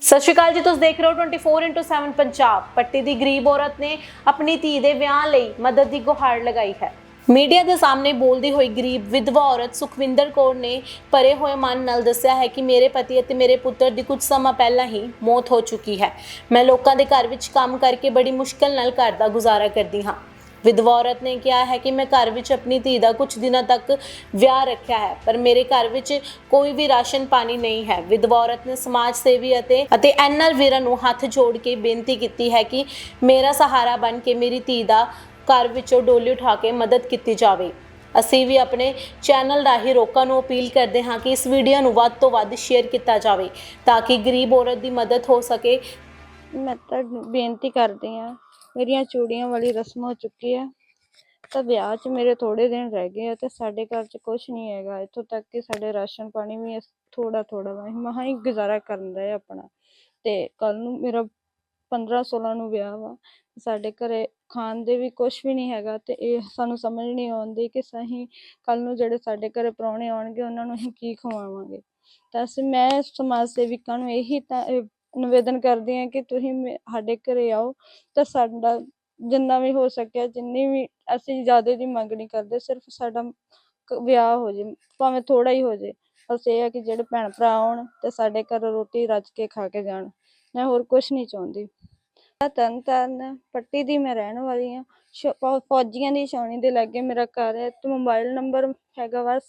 ਸਤਿ ਸ਼੍ਰੀ ਅਕਾਲ ਜੀ, ਤੁਸੀਂ ਦੇਖ ਰਹੇ ਹੋ 24x7 ਪੰਜਾਬ। ਪੱਟੀ ਦੀ ਗਰੀਬ ਔਰਤ ਨੇ ਆਪਣੀ ਧੀ ਦੇ ਵਿਆਹ ਲਈ ਮਦਦ ਦੀ ਗੁਹਾਰ ਲਗਾਈ ਹੈ। ਮੀਡੀਆ ਦੇ ਸਾਹਮਣੇ ਬੋਲਦੀ ਹੋਈ ਗਰੀਬ ਵਿਧਵਾ ਔਰਤ ਸੁਖਵਿੰਦਰ ਕੌਰ ਨੇ ਭਰੇ ਹੋਏ ਮਨ ਨਾਲ ਦੱਸਿਆ ਹੈ ਕਿ ਮੇਰੇ ਪਤੀ ਅਤੇ ਮੇਰੇ ਪੁੱਤਰ ਦੀ ਕੁਝ ਸਮਾਂ ਪਹਿਲਾਂ ਹੀ ਮੌਤ ਹੋ ਚੁੱਕੀ ਹੈ। ਮੈਂ ਲੋਕਾਂ ਦੇ ਘਰ ਵਿੱਚ ਕੰਮ ਕਰਕੇ ਬੜੀ ਮੁਸ਼ਕਲ ਨਾਲ ਘਰ ਦਾ ਗੁਜ਼ਾਰਾ ਕਰਦੀ ਹਾਂ। ਵਿਧਵਾ ਔਰਤ ਨੇ ਕਿਹਾ ਹੈ ਕਿ ਮੈਂ ਘਰ ਵਿੱਚ ਆਪਣੀ ਧੀ ਦਾ ਕੁਝ ਦਿਨਾਂ ਤੱਕ ਵਿਆਹ ਰੱਖਿਆ ਹੈ, ਪਰ ਮੇਰੇ ਘਰ ਵਿੱਚ ਕੋਈ ਵੀ ਰਾਸ਼ਨ ਪਾਣੀ ਨਹੀਂ ਹੈ। ਵਿਧਵਾ ਔਰਤ ਨੇ ਸਮਾਜ ਸੇਵੀ ਅਤੇ ਐਨਆਰ ਵੀਰਾਂ ਨੂੰ ਹੱਥ ਜੋੜ ਕੇ ਬੇਨਤੀ ਕੀਤੀ ਹੈ ਕਿ ਮੇਰਾ ਸਹਾਰਾ ਬਣ ਕੇ ਮੇਰੀ ਧੀ ਦਾ ਘਰ ਵਿੱਚੋਂ ਡੋਲੀ ਉਠਾ ਕੇ ਮਦਦ ਕੀਤੀ ਜਾਵੇ। ਅਸੀਂ ਵੀ ਆਪਣੇ ਚੈਨਲ ਰਾਹੀਂ ਲੋਕਾਂ ਨੂੰ ਅਪੀਲ ਕਰਦੇ ਹਾਂ ਕਿ ਇਸ ਵੀਡੀਓ ਨੂੰ ਵੱਧ ਤੋਂ ਵੱਧ ਸ਼ੇਅਰ ਕੀਤਾ ਜਾਵੇ ਤਾਂ ਕਿ ਗਰੀਬ ਔਰਤ ਦੀ ਮਦਦ ਹੋ ਸਕੇ। ਮੈਂ ਤਾਂ ਬੇਨਤੀ ਕਰਦੀ ਹਾਂ, ਮੇਰੀਆਂ ਚੂੜੀਆਂ ਵਾਲੀ ਰਸਮ ਹੋ ਚੁੱਕੀ ਹੈ ਤਾਂ ਵਿਆਹ 'ਚ ਮੇਰੇ ਥੋੜ੍ਹੇ ਦਿਨ ਰਹਿ ਗਏ ਆ ਤੇ ਸਾਡੇ ਘਰ 'ਚ ਕੁਛ ਨਹੀਂ ਹੈਗਾ। ਇੱਥੋਂ ਤੱਕ ਕਿ ਸਾਡੇ ਰਾਸ਼ਨ ਪਾਣੀ ਵੀ ਥੋੜ੍ਹਾ ਮਸਾਂ ਹੀ ਗੁਜ਼ਾਰਾ ਕਰਨ ਦਾ ਹੈ ਆਪਣਾ। ਤੇ ਕੱਲ੍ਹ ਨੂੰ ਮੇਰਾ 15-16 ਨੂੰ ਵਿਆਹ ਵਾ, ਸਾਡੇ ਘਰੇ ਖਾਣ ਦੇ ਵੀ ਕੁਛ ਵੀ ਨਹੀਂ ਹੈਗਾ ਤੇ ਇਹ ਸਾਨੂੰ ਸਮਝ ਨਹੀਂ ਆਉਂਦੀ ਕਿ ਅਸੀਂ ਕੱਲ੍ਹ ਨੂੰ ਜਿਹੜੇ ਸਾਡੇ ਘਰੇ ਪ੍ਰਾਹੁਣੇ ਆਉਣਗੇ ਉਹਨਾਂ ਨੂੰ ਅਸੀਂ ਕੀ ਖਵਾਵਾਂਗੇ। ਤਾਂ ਮੈਂ ਸਮਾਜ ਸੇਵਿਕਾਂ ਨੂੰ ਇਹੀ ਤਾਂ ਨਿਵੇਦਨ ਕਰਦੀ ਹਾਂ ਕਿ ਤੁਸੀਂ ਸਾਡੇ ਘਰੇ ਆਓ ਤਾਂ ਸਾਡਾ ਜਿੰਨਾ ਵੀ ਹੋ ਸਕਿਆ, ਜਿੰਨੀ ਵੀ ਅਸੀਂ ਜ਼ਿਆਦਾ ਦੀ ਮੰਗ ਨਹੀਂ ਕਰਦੇ, ਸਿਰਫ ਸਾਡਾ ਵਿਆਹ ਹੋ ਜੇ, ਭਾਵੇਂ ਥੋੜ੍ਹਾ ਹੀ ਹੋ ਜੇ। ਬਸ ਇਹ ਹੈ ਕਿ ਜਿਹੜੇ ਭੈਣ ਭਰਾ ਆਉਣ ਤੇ ਸਾਡੇ ਘਰ ਰੋਟੀ ਰੱਜ ਕੇ ਖਾ ਕੇ ਜਾਣ। ਮੈਂ ਹੋਰ ਕੁਛ ਨਹੀਂ ਚਾਹੁੰਦੀ। ਤਰਨਤਾਰਨ ਪੱਟੀ ਦੀ ਮੈਂ ਰਹਿਣ ਵਾਲੀ ਹਾਂ। ਫੌਜੀਆਂ ਦੀ ਛਾਉਣੀ ਦੇ ਲਾਗੇ ਮੇਰਾ ਘਰ ਹੈ ਤੇ ਮੋਬਾਈਲ ਨੰਬਰ ਹੈਗਾ ਵਾ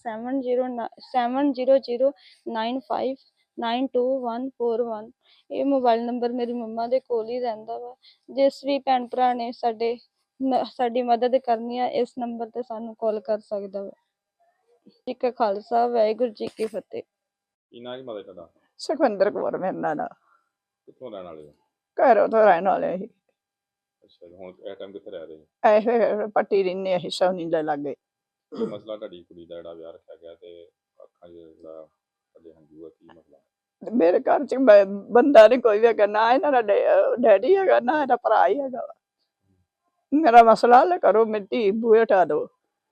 7095929141। ਇਹ ਮੋਬਾਈਲ ਨੰਬਰ ਮੇਰੀ ਮੰਮਾ ਦੇ ਕੋਲ ਹੀ ਰਹਿੰਦਾ ਵਾ। ਜਿਸ ਵੀ ਭੈਣ ਭਰਾ ਨੇ ਸਾਡੀ ਮਦਦ ਕਰਨੀ ਆ, ਇਸ ਨੰਬਰ ਤੇ ਸਾਨੂੰ ਕਾਲ ਕਰ ਸਕਦਾ ਵਾ। ਜੀ ਕਾ ਖਾਲਸਾ, ਵਾਹਿਗੁਰੂ ਜੀ ਕੀ ਫਤਿਹ। ਕੀ ਨਾਂ ਜੀ ਮਾਤਾ ਤੁਹਾਡਾ? ਸੁਖਵਿੰਦਰ ਕੌਰ ਮੇਰਾ ਨਾਂ। ਕਿੱਥੋਂ ਰਹਿਣ ਵਾਲੇ ਹੋ? ਘਰੋਂ ਤੋਂ ਰਹਿਣ ਵਾਲੇ ਸੀ। ਅੱਛਾ ਜੀ, ਹੁਣ ਇਸ ਟਾਈਮ ਕਿੱਥੇ ਰਹਿ ਰਹੇ ਹੋ? ਐਸੇ ਪੱਟੀ ਰਹਿੰਦੇ ਅਸੀਂ ਸੋਨੀ ਦੇ ਲਾਗੇ। ਕੀ ਮਸਲਾ ਤੁਹਾਡੀ ਕੁੜੀ ਦਾ ਜਿਹੜਾ ਵਿਆਹ ਰੱਖਿਆ ਗਿਆ ਤੇ ਅੱਖਾਂ 'ਚ ਜਿਹੜਾ ਤੁਹਾਡੇ ਹੰਝੂ ਆ, ਕੀ ਮਸਲਾ? ਮੇਰੇ ਘਰ ਚ ਬੰਦਾ ਨੀ ਕੋਈ ਵੀ ਹੈਗਾ, ਨਾ ਇਹਨਾਂ ਦਾ ਡੈਡੀ ਹੈਗਾ, ਨਾ ਇਹਦਾ ਭਰਾ ਹੀ ਹੈਗਾ ਵਾ। ਮੇਰਾ ਮਸਲਾ ਹੱਲ ਕਰੋ, ਮੇਰੀ ਧੀ ਬੂਹੇ ਉਠਾ ਦਿਓ।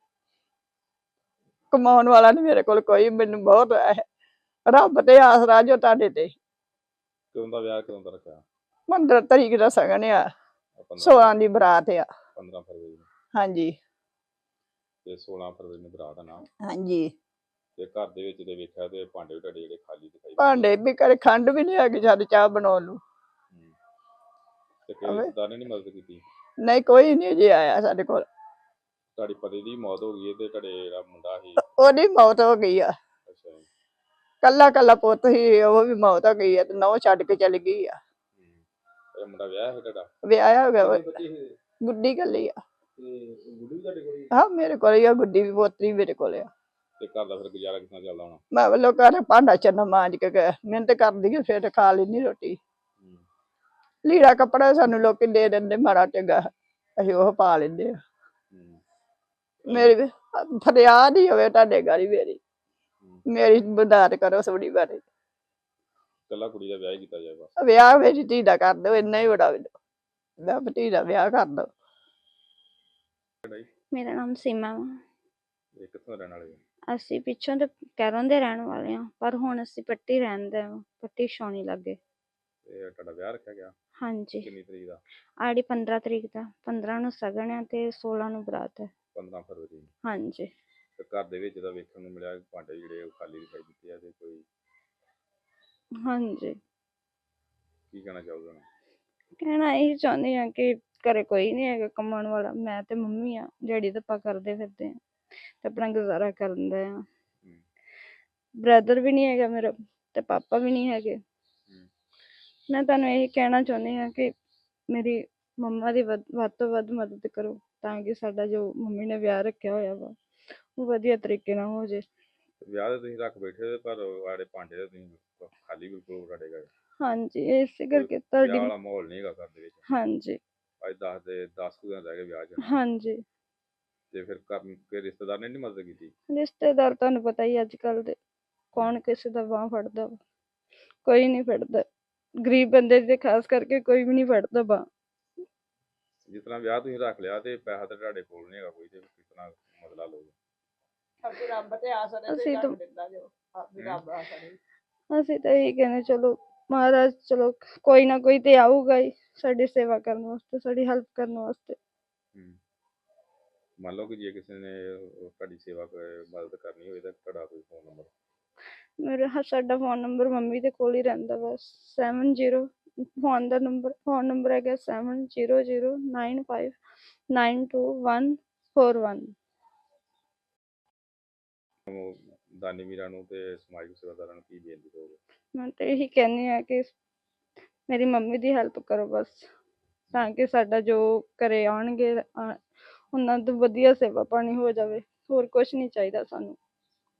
ਕਮਾਉਣ ਵਾਲਾ ਨੀ ਮੇਰੇ ਕੋਲ ਕੋਈ, ਮੈਨੂੰ ਬਹੁਤ ਰੱਬ ਤੇ ਆਸਰਾ ਜੋ ਤੁਹਾਡੇ ਤੇ। ਕਦੋਂ ਦਾ ਵਿਆਹ, ਕਦੋਂ ਦਾ ਰੱਖਿਆ? 15 ਤਰੀਕ ਦਾ ਸਗਨ ਆ, 15 16 ਦੀ ਬਰਾਤ ਆ। 15 ਫਰਵਰੀ ਨੂੰ ਹਾਂਜੀ ਤੇ 16 ਫਰਵਰੀ ਨੂੰ ਬਰਾਤ ਦਾ ਨਾਮ। ਹਾਂਜੀ। ਤੇ ਘਰ ਦੇ ਵਿੱਚ ਤੇ ਵੇਖਿਆ ਤੇ ਭਾਂਡੇ ਵੀ ਤੁਹਾਡੇ ਜਿਹੜੇ ਖਾਲੀ ਦਿਖਾਈ ਦਿੰਦੇ। ਭਾਂਡੇ ਵੀ ਘਰੇ ਖੰਡ ਵੀ ਨਹੀਂ ਹੈਗੀ ਸਾਡੀ ਚਾਹ ਬਣਾਉਣ ਨੂੰ। ਤੇ ਕਿਸੇ ਰਿਸ਼ਤੇਦਾਰ ਨੇ ਨੀ ਮਦਦ ਕੀਤੀ? ਨਹੀਂ, ਕੋਈ ਨਹੀਂ ਜੀ ਆਇਆ ਸਾਡੇ ਕੋਲ। ਤੁਹਾਡੀ ਪਤੀ ਦੀ ਮੌਤ ਹੋ ਗਈ ਹੈ ਤੇ ਤੁਹਾਡੇ ਜਿਹੜਾ ਮੁੰਡਾ ਸੀ? ਉਹਦੀ ਮੌਤ ਹੋ ਗਈ ਆ। ਅੱਛਾ ਜੀ। ਕੱਲਾ ਪੁੱਤ ਸੀ, ਉਹ ਵੀ ਮੌਤ ਹੋ ਗਈ ਆ ਤੇ ਨਹੁੰ ਛੱਡ ਕੇ ਚਲੀ ਗਈ ਆ। ਇਹ ਮੁੰਡਾ ਵਿਆਹ ਹੈ ਤੁਹਾਡਾ? ਵਿਆਹਿਆ ਹੋ ਗਿਆ ਵਾ। ਬੱਚੇ ਸੀ? ਗੁੱਡੀ ਕੱਲੀ ਆ। ਤੇ ਗੁੱਡੀ ਵੀ ਤੁਹਾਡੇ ਕੋਲ ਹੀ? ਹਾਂ, ਮੇਰੇ ਕੋਲ ਹੀ ਆ ਗੁੱਡੀ ਵੀ, ਪੋਤਰੀ ਮੇਰੇ ਕੋਲ ਆ। ਤੇ ਘਰ ਦਾ ਫਿਰ ਗੁਜ਼ਾਰਾ ਕਿੱਦਾਂ ਚੱਲਦਾ ਹੋਣਾ? ਮੈਂ ਵੱਲੋਂ ਘਰ ਭਾਂਡਾ ਚੰਨਾ ਮਾਂਜ ਕੇ ਮਿਹਨਤ ਕਰਦੀ ਆ, ਫਿਰ ਖਾ ਲੈਂਦੀ ਰੋਟੀ। ਲੀੜਾ ਕੱਪੜਾ ਸਾਨੂੰ ਲੋਕੀ ਦੇ ਦਿੰਦੇ ਮਾੜਾ ਚੰਗਾ, ਅਸੀਂ ਉਹ ਪਾ ਲੈਂਦੇ ਆ। ਮੇਰੀ ਫਰਿਆਦ ਹੀ ਹੋਵੇ ਤੁਹਾਡੇ ਗਾੜੀ, ਮੇਰੀ ਮਦਦ ਕਰੋ ਥੋੜੀ ਬਾਰੇ। ਕੱਲਾ ਕੁੜੀ ਦਾ ਵਿਆਹ ਹੀ ਕੀਤਾ ਜਾਏ ਬਸ? ਵਿਆਹ ਮੇਰੀ ਧੀ ਦਾ ਕਰ ਦਿਓ, ਇੰਨਾ ਹੀ ਬੜਾ। ਮੈਂ ਧੀ ਦਾ ਵਿਆਹ ਕਰ ਦਿਓ। ਮੇਰਾ ਨਾਮ ਸੀਮਾ ਵਾ। ਇਹ ਕਿੱਥੋਂ ਰਹਿਣ ਵਾਲੇ ਹੋ? ਅਸੀਂ ਪਿੱਛੋਂ ਤੇ ਕੈਰੋਂ ਦੇ ਰਹਿਣ ਵਾਲੇ ਹਾਂ, ਪਰ ਹੁਣ ਅਸੀਂ ਪੱਟੀ ਰਹਿੰਦੇ ਹਾਂ, ਪੱਟੀ ਛਾਉਣੀ ਲਾਗੇ। ਤੇ ਤੁਹਾਡਾ ਵਿਆਹ ਰੱਖਿਆ ਗਿਆ? ਹਾਂਜੀ। ਕਿੰਨੀ ਤਰੀਕ ਦਾ? ਆੜੀ 15 ਤਰੀਕ ਦਾ। 15 ਨੂੰ ਸਗਨ ਹੈ ਤੇ 16 ਨੂੰ ਬਰਾਤ ਹੈ। 15 ਫਰਵਰੀ ਨੂੰ? ਹਾਂਜੀ। ਤੇ ਘਰ ਦੇ ਵਿੱਚ ਤਾਂ ਵੇਖਣ ਨੂੰ ਮਿਲਿਆ ਭਾਂਡੇ ਜਿਹੜੇ ਉਹ ਖਾਲੀ ਦਿਖਾਈ ਦਿੱਤੇ ਆ ਤੇ ਕੋਈ? ਹਾਂਜੀ। ਕੀ ਕਹਿਣਾ ਚਾਹੋਗੇ ਹੁਣ? ਕਹਿਣਾ ਇਹੀ ਚਾਹੁੰਦੀ ਹਾਂ ਕਿ ਘਰੇ ਕੋਈ ਨਹੀਂ ਹੈਗਾ ਕਮਾਉਣ ਵਾਲਾ, ਮੈਂ ਤੇ ਮੰਮੀ ਆ, ਦਿਹਾੜੀ ਧੱਪਾ ਕਰਦੇ ਫਿਰਦੇ ਆ ਤੇ ਆਪਣਾ ਗੁਜ਼ਾਰਾ ਕਰਨ ਦੇ ਆ। ਬ੍ਰਦਰ ਵੀ ਨਹੀਂ ਹੈਗਾ ਮੇਰਾ ਤੇ ਪਾਪਾ ਵੀ ਨਹੀਂ ਹੈਗੇ। ਮੈਂ ਤੁਹਾਨੂੰ ਇਹੀ ਕਹਿਣਾ ਚਾਹੁੰਦੀ ਹਾਂ ਕਿ ਮੇਰੀ ਮੰਮਾ ਦੀ ਵੱਧ ਤੋਂ ਵੱਧ ਮਦਦ ਕਰੋ ਤਾਂ ਕਿ ਸਾਡਾ ਜੋ ਮੰਮੀ ਨੇ ਵਿਆਹ ਰੱਖਿਆ ਹੋਇਆ ਵਾ ਉਹ ਵਧੀਆ ਤਰੀਕੇ ਨਾਲ ਹੋ ਜੇ। ਵਿਆਹ ਤੇ ਤੁਸੀਂ ਰੱਖ ਬੈਠੇ ਪਰ ਆੜੇ ਭਾਂਡੇ ਤੇ ਤੁਸੀਂ ਖਾਲੀ ਬਿਲਕੁਲ ਤੁਹਾਡੇ ਘਰ? ਹਾਂਜੀ, ਇਸੇ ਕਰਕੇ ਤੁਹਾਡੀ ਵਿਆਹ ਵਾਲਾ ਮਾਹੌਲ ਨਹੀਂ ਹੈਗਾ ਘਰ ਦੇ ਵਿੱਚ? ਹਾਂਜੀ। ਅੱਜ 10 ਕੁ ਦਿਨ ਰਹਿ ਗਏ ਵਿਆਹ 'ਚ? ਹਾਂਜੀ। ਤੇ ਫਿਰ ਘਰ ਰਿਸ਼ਤੇਦਾਰ ਨੇ ਨੀ ਮਦਦ ਕੀਤੀ? ਰਿਸ਼ਤੇਦਾਰ ਤੁਹਾਨੂੰ ਪਤਾ ਹੀ ਅੱਜ ਕੱਲ੍ਹ ਦੇ ਕੌਣ ਕਿਸੇ ਦਾ ਬਾਂਹ ਫੜਦਾ ਵਾ, ਕੋਈ ਨਹੀਂ ਫੜਦਾ। ਗਰੀਬ ਬੰਦੇ ਦੇ ਖਾਸ ਕਰਕੇ ਕੋਈ ਵੀ ਨਹੀਂ ਫੜਦਾ ਬਾਂਹ। ਜਿਸ ਤਰ੍ਹਾਂ ਵਿਆਹ ਤੁਸੀਂ ਰੱਖ ਲਿਆ ਤੇ ਪੈਸਾ ਤਾਂ ਤੁਹਾਡੇ ਕੋਲ ਨਹੀਂ ਹੈਗਾ ਕੋਈ, ਤੇ ਕਿਸ ਤਰ੍ਹਾਂ ਮਸਲਾ ਲਓਗੇ? ਅਸੀਂ ਤਾਂ ਇਹੀ ਕਹਿੰਦੇ ਚਲੋ ਮਹਾਰਾਜ ਚਲੋ ਕੋਈ ਨਾ ਕੋਈ ਤੇ ਆਊਗਾ ਹੀ ਸਾਡੀ ਸੇਵਾ ਕਰਨ ਵਾਸਤੇ, ਸਾਡੀ ਹੈਲਪ ਕਰਨ ਵਾਸਤੇ। ਮੰਨ ਲਓ ਕਿ ਜੇ ਕਿਸੇ ਨੇ ਤੁਹਾਡੀ ਸੇਵਾ ਮਦਦ ਕਰਨੀ ਹੋਵੇ ਤਾਂ ਤੁਹਾਡਾ ਕੋਈ ਫੋਨ ਨੰਬਰ? ਸਾਡਾ ਫੋਨ ਨੰਬਰ ਮੰਮੀ ਦੇ ਕੋਲ ਹੀ ਰਹਿੰਦਾ ਬਸ। 70 ਫੋਨ ਨੰਬਰ ਹੈਗਾ 7009592141। ਦਾਨੀ ਵੀਰਾਂ ਨੂੰ ਤੇ ਸਮਾਜਿਕ ਸੇਵਾਦਾਰਾਂ ਨੂੰ ਕੀ ਬੇਨਤੀ ਕਰੋਗੇ? ਮੈਂ ਤਾਂ ਇਹੀ ਕਹਿੰਦੀ ਹਾਂ ਕਿ ਮੇਰੀ ਮੰਮੀ ਦੀ ਹੈਲਪ ਕਰੋ ਬਸ, ਤਾਂ ਕਿ ਸਾਡਾ ਜੋ ਘਰੇ ਆਉਣਗੇ ਉਹਨਾਂ ਤੋਂ ਵਧੀਆ ਸੇਵਾ ਪਾਣੀ ਹੋ ਜਾਵੇ, ਹੋਰ ਕੁਛ ਨਹੀਂ ਚਾਹੀਦਾ ਸਾਨੂੰ।